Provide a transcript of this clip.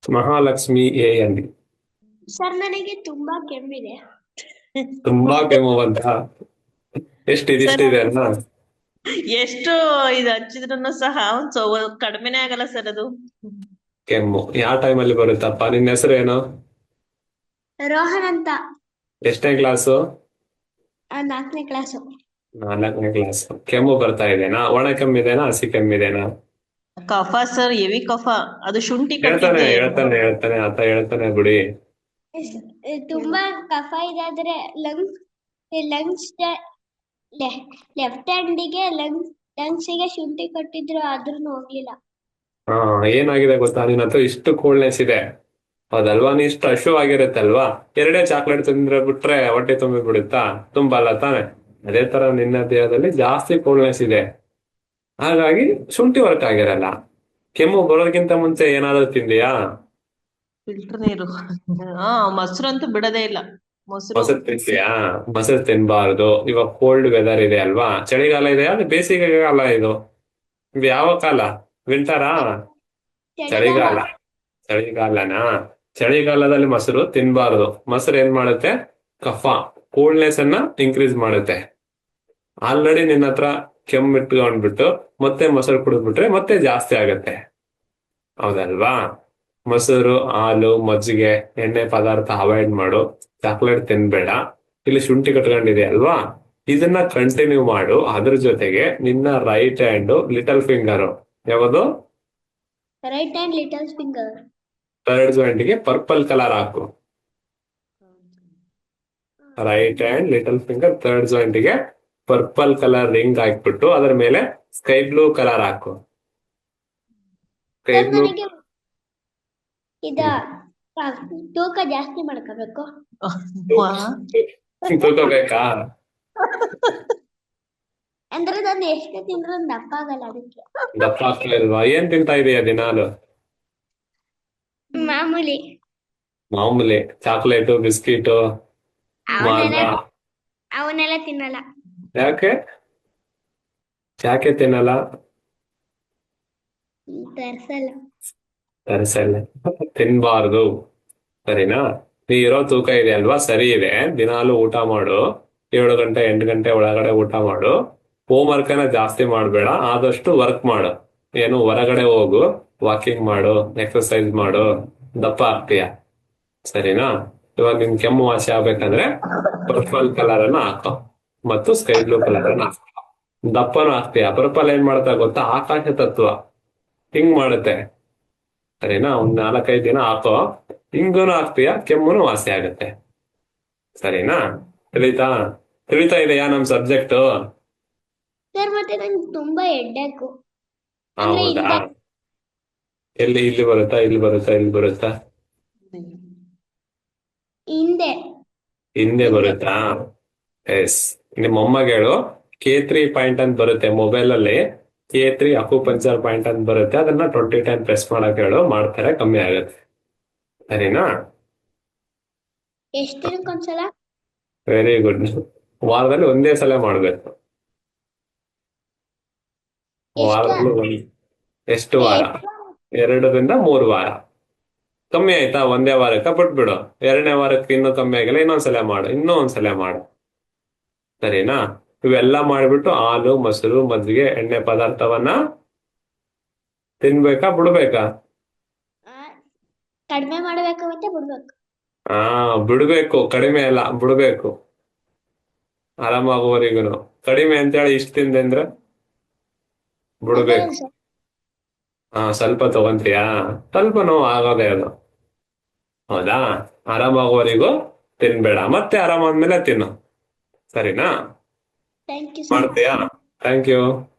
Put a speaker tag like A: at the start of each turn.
A: Mahalakshmi A ಅಂಡಿ.
B: Sir ನನಗೆ ತುಂಬಾ ಕೆಮ್ಮಿದೆ.
A: ತುಂಬಾ ಕೆಮ್ಮು ಬಂತ?
C: ಸರ್
A: ಇದಿಷ್ಟಿದೆ ಅಲ್ಲ.
C: ಎಷ್ಟು ಇದು ಹಚ್ಚಿದ್ರು ಸಹ ಒಂದ್ ಕಡಿಮೆನೇ ಆಗಲ್ಲ ಸರ್ ಅದು.
A: ಕೆಮ್ಮು ಯಾವ ಟೈಮಲ್ಲಿ ಬರುತ್ತಪ್ಪ? ನಿನ್ನ ಹೆಸರು ಏನು?
B: ರೋಹನ್ ಅಂತ.
A: ಎಷ್ಟನೇ ಕ್ಲಾಸು?
B: 4ನೇ ಕ್ಲಾಸು.
A: 4ನೇ ಕ್ಲಾಸ್. ಕೆಮ್ಮು ಬರ್ತಾ ಇದೆನಾ? ಒಣ ಕೆಮ್ಮಿದೆನಾ, ಹಸಿ ಕೆಮ್ಮಿದೆನಾ?
C: ಕಫ ಸರ್, ಹೆವಿ ಕಫ. ಅದು ಶುಂಠಿ
A: ಹೇಳ್ತಾನೆ
C: ಕಟ್ಟಿದ್ದೆ.
A: ಹೇಳ್ತಾನೆ ಹೇಳ್ತಾನೆ ಆತ ಹೇಳ್ತಾನೆ ಬಿಡಿ.
B: ತುಂಬಾ ಕಫ ಇದೆ ಆದ್ರೆ ಲಂಗ್ಸ್ ಲೆಫ್ಟ್ ಹ್ಯಾಂಡಿಗೆ ಲಂಗ್ಸಿಗೆ ಶುಂಠಿ ಕಟ್ಟಿದ್ರು ಆದ್ರೂ ಹೋಗ್ಲಿಲ್ಲ.
A: ಹಾ, ಏನಾಗಿದೆ ಗೊತ್ತಾ, ನಿನ್ನ ಹತ್ರ ಇಷ್ಟು ಕೂಲ್ನೆಸ್ ಇದೆ ಹೌದಲ್ವಾ? ನೀ ಇಷ್ಟು ಅಶು ಆಗಿರುತ್ತಲ್ವಾ? ಎರಡೇ ಚಾಕ್ಲೇಟ್ ತಿಂದ್ರೆ ಬಿಟ್ರೆ ಹೊಟ್ಟೆ ತುಂಬಿ ಬಿಡುತ್ತಾ? ತುಂಬಲ್ಲ ತಾನೆ? ಅದೇ ತರ ನಿನ್ನ ದೇಹದಲ್ಲಿ ಜಾಸ್ತಿ ಕೂಲ್ನೆಸ್ ಇದೆ, ಹಾಗಾಗಿ ಶುಂಠಿ ವರ್ಕ್ ಆಗಿರಲ್ಲ. ಕೆಮ್ಮು ಬರೋದಕ್ಕಿಂತ ಮುಂಚೆ ಏನಾದ್ರೂ ತಿಂದಿಯಾ?
C: ಫಿಲ್ಟರ್ ನೀರು. ಹಾ, ಮೊಸರು ಅಂತೂ ಬಿಡದೇ ಇಲ್ಲ. ಮೊಸರು.
A: ಮೊಸರು ತಿಂತೀಯಾ? ಮೊಸರು ತಿನ್ಬಾರ್ದು. ಇವಾಗ ಕೋಲ್ಡ್ ವೆದರ್ ಇದೆ ಅಲ್ವಾ? ಚಳಿಗಾಲ ಇದೆ, ಅದು ಬೇಸಿಗೆ ಕಾಲ ಇದು. ಇದು ಯಾವ ಕಾಲ? ವಿಂಟರಾ?
B: ಚಳಿಗಾಲ.
A: ಚಳಿಗಾಲ. ಚಳಿಗಾಲನಾ? ಚಳಿಗಾಲದಲ್ಲಿ ಮೊಸರು ತಿನ್ಬಾರ್ದು. ಮೊಸರು ಏನ್ ಮಾಡುತ್ತೆ? ಕಫ, ಕೂಲ್ನೆಸ್ ಅನ್ನ ಇನ್ಕ್ರೀಸ್ ಮಾಡುತ್ತೆ. ಆಲ್ರೆಡಿ ನಿನ್ನ ಹತ್ರ ಕೆಮ್ಮು ಇಟ್ಕೊಂಡ್ಬಿಟ್ಟು ಮತ್ತೆ ಮೊಸರು ಕುಡಿದ್ಬಿಟ್ರೆ ಮತ್ತೆ ಜಾಸ್ತಿ ಆಗತ್ತೆ, ಹೌದಲ್ವಾ? ಮೊಸರು, ಹಾಲು, ಮಜ್ಜಿಗೆ, ಎಣ್ಣೆ ಪದಾರ್ಥ ಅವಾಯ್ಡ್ ಮಾಡು. ಚಾಕ್ಲೇಟ್ ತಿನ್ಬೇಡ. ಇಲ್ಲಿ ಶುಂಠಿ ಕಟ್ಕೊಂಡಿದೆ ಅಲ್ವಾ? ಇದನ್ನ ಕಂಟಿನ್ಯೂ ಮಾಡು. ಅದ್ರ ಜೊತೆಗೆ ನಿನ್ನ ರೈಟ್ ಹ್ಯಾಂಡ್ ಲಿಟಲ್ ಫಿಂಗರ್ ಯಾವುದು?
B: Right hand little finger.
A: Third ಜಾಯಿಂಟ್ಗೆ ಪರ್ಪಲ್ ಕಲರ್ ಹಾಕು. Right hand little finger third ಜಾಯಿಂಟ್ಗೆ ಪರ್ಪಲ್ ಕಲರ್ ರಿಂಗ್ ಹಾಕ್ಬಿಟ್ಟು ಅದರ ಮೇಲೆ ಸ್ಕೈ ಬ್ಲೂ ಕಲರ್ ಹಾಕು. Sky
B: sir
A: blue.
B: ನನಗೆ ಇದ ತೂಕ ಜಾಸ್ತಿ ಮಾಡ್ಕೋಬೇಕು.
A: ತೂಕೋಬೇಕಾ?
B: ಅಂದ್ರೆ ನಾನು ಎಷ್ಟು ತಿಂದ್ರು ದಪ್ಪ ಆಗಲ್ಲ ಅದಕ್ಕೆ.
A: ದಪ್ಪ ಆಗ್ತಾ ಇಲ್ವಾ? ಏನ್ ತಿಂತಾ ಇದೀಯ ದಿನಾಲು?
B: ಮಾಮೂಲಿ.
A: ಮಾಮೂಲಿ ಚಾಕ್ಲೇಟು, ಬಿಸ್ಕಿಟು, ಮಾಲ್ಟ.
B: ಅವನ್ನೆಲ್ಲ ಅವನ್ನೆಲ್ಲ ತಿನ್ನಲ್ಲ.
A: ಯಾಕೆ? ಯಾಕೆ ತಿನ್ನಲ್ಲ?
B: ತರ್ಸಲ್ಲ.
A: ತರಿಸಲ್ಲ. ತಿನ್ಬಾರ್ದು, ಸರಿನಾ? ನೀ ಇರೋ ತೂಕ ಇದೆ ಅಲ್ವಾ, ಸರಿ ಇದೆ. ದಿನಾಲು ಊಟ ಮಾಡು. 7 ಗಂಟೆ 8 ಗಂಟೆ ಒಳಗಡೆ ಊಟ ಮಾಡು. ಹೋಮ್ ವರ್ಕ್ ಅನ್ನ ಜಾಸ್ತಿ ಮಾಡ್ಬೇಡ. ಆದಷ್ಟು ವರ್ಕ್ ಮಾಡು. ಏನು, ಹೊರಗಡೆ ಹೋಗು, ವಾಕಿಂಗ್ ಮಾಡು, ಎಕ್ಸರ್ಸೈಸ್ ಮಾಡು. ದಪ್ಪ ಆಗ್ತೀಯ, ಸರಿನಾ? ಇವಾಗ ನಿನ್ ಕೆಮ್ಮು ವಾಸಿ ಆಗ್ಬೇಕಂದ್ರೆ ಪರ್ಪಲ್ ಕಲರ್ ಅನ್ನ ಹಾಕೋ ಮತ್ತು ಸ್ಕೈ ಬ್ಲೂ ಕಲರ್ ಅನ್ನ ಹಾಕೋ. ದಪ್ಪನೂ ಆಗ್ತೀಯ. ಪರ್ಪಲ್ ಏನ್ ಮಾಡ್ತಾ ಗೊತ್ತಾ? ಆಕಾಶ ತತ್ವ ಹಿಂಗ್ ಮಾಡುತ್ತೆ, ಸರಿನಾ? 4-5 ದಿನ ಹಾಕೋ. ಹಿಂಗೂನು ಆಗ್ತೀಯ, ಕೆಮ್ಮುನು ವಾಸಿ ಆಗುತ್ತೆ, ಸರಿನಾ? ತಿಳಿತಾ? ತಿಳಿತಾ ಇದೆಯಾ ನಮ್ ಸಬ್ಜೆಕ್ಟ್?
B: ಸರ್ ಮತ್ತೆ ನಂಗೆ ತುಂಬಾ ಹೆಡ್ಡೇಕು. ಅಂದ್ರೆ
A: ಹೌದಾ?
B: ಹಿಂದೆ
A: ಎಲ್ಲಿ? ಇಲ್ಲಿ ಬರುತ್ತಾ, ಇಲ್ಲಿ ಬರುತ್ತಾ, ಇಲ್ಲಿ ಬರುತ್ತಾ?
B: ಹಿಂದೆ
A: ಹಿಂದೆ ಬರುತ್ತಾ? ಎಸ್. ನಿಮ್ಮ ಅಮ್ಮಗೆ ಹೇಳು, K3 ಪಾಯಿಂಟ್ ಅಂತ ಬರುತ್ತೆ ಮೊಬೈಲ್ ಅಲ್ಲಿ. K3 ಅಕ್ಯುಪಂಕ್ಚರ್ ಪಾಯಿಂಟ್ ಅಂತ ಬರುತ್ತೆ. ಅದನ್ನ 20 ಟೈಮ್ ಪ್ರೆಸ್ ಮಾಡಕ್ ಹೇಳು, ಮಾಡ್ತಾರೆ, ಕಮ್ಮಿ ಆಗುತ್ತೆ, ಸರಿನಾ?
B: ಎಷ್ಟು ದಿನಕ್ಕೊಂದ್ಸಲ?
A: Very good. ವಾರದಲ್ಲಿ ಒಂದೇ ಸಲ ಮಾಡ್ಬೇಕು.
B: ಎಷ್ಟು?
A: ವಾರದಲ್ಲಿ ಎಷ್ಟು ವಾರ? 2 ರಿಂದ 3 ವಾರ. ಕಮ್ಮಿ ಆಯ್ತಾ? ಒಂದೇ ವಾರಕ್ಕೆ ಬಿಟ್ಬಿಡು. 2ನೇ ವಾರಕ್ಕೆ ಇನ್ನೂ ಕಮ್ಮಿ ಆಗಿಲ್ಲ, ಇನ್ನೊಂದ್ಸಲ ಮಾಡು, ಇನ್ನೂ ಒಂದ್ಸಲ ಮಾಡು, ಸರಿನಾ? ಇವೆಲ್ಲ ಮಾಡ್ಬಿಟ್ಟು ಹಾಲು, ಮೊಸರು, ಮಜ್ಜಿಗೆ, ಎಣ್ಣೆ ಪದಾರ್ಥವನ್ನ ತಿನ್ಬೇಕಾ ಬಿಡ್ಬೇಕಾ?
B: ಆ, ಕಡಿಮೆ ಮಾಡ್ಬೇಕು ಮತ್ತೆ ಬಿಡ್ಬೇಕು.
A: ಹಾ, ಬಿಡ್ಬೇಕು. ಕಡಿಮೆ ಅಲ್ಲ, ಬಿಡ್ಬೇಕು. ಆರಾಮಾಗುವವರೆಗೂ. ಕಡಿಮೆ ಅಂತೇಳಿ ಇಷ್ಟ ತಿಂದೆ ಅಂದ್ರೆ ಬಿಡ್ಬೇಕು.
B: ಅದೊಂದು ಸರ್.
A: ಹಾ, ಸ್ವಲ್ಪ ತಗೊಂತೀಯಾ? ಸ್ವಲ್ಪ ನೋವು ಆಗೋದೇ ಅದು, ಹೌದಾ? ಆರಾಮಾಗುವವರೆಗೂ ತಿನ್ಬೇಡ, ಮತ್ತೆ ಆರಾಮಾದ್ಮೇಲೆ ತಿನ್ನು, ಸರಿನಾ?
B: Thank you sir.
A: ಮಾಡ್ತೀಯಾ? Thank you.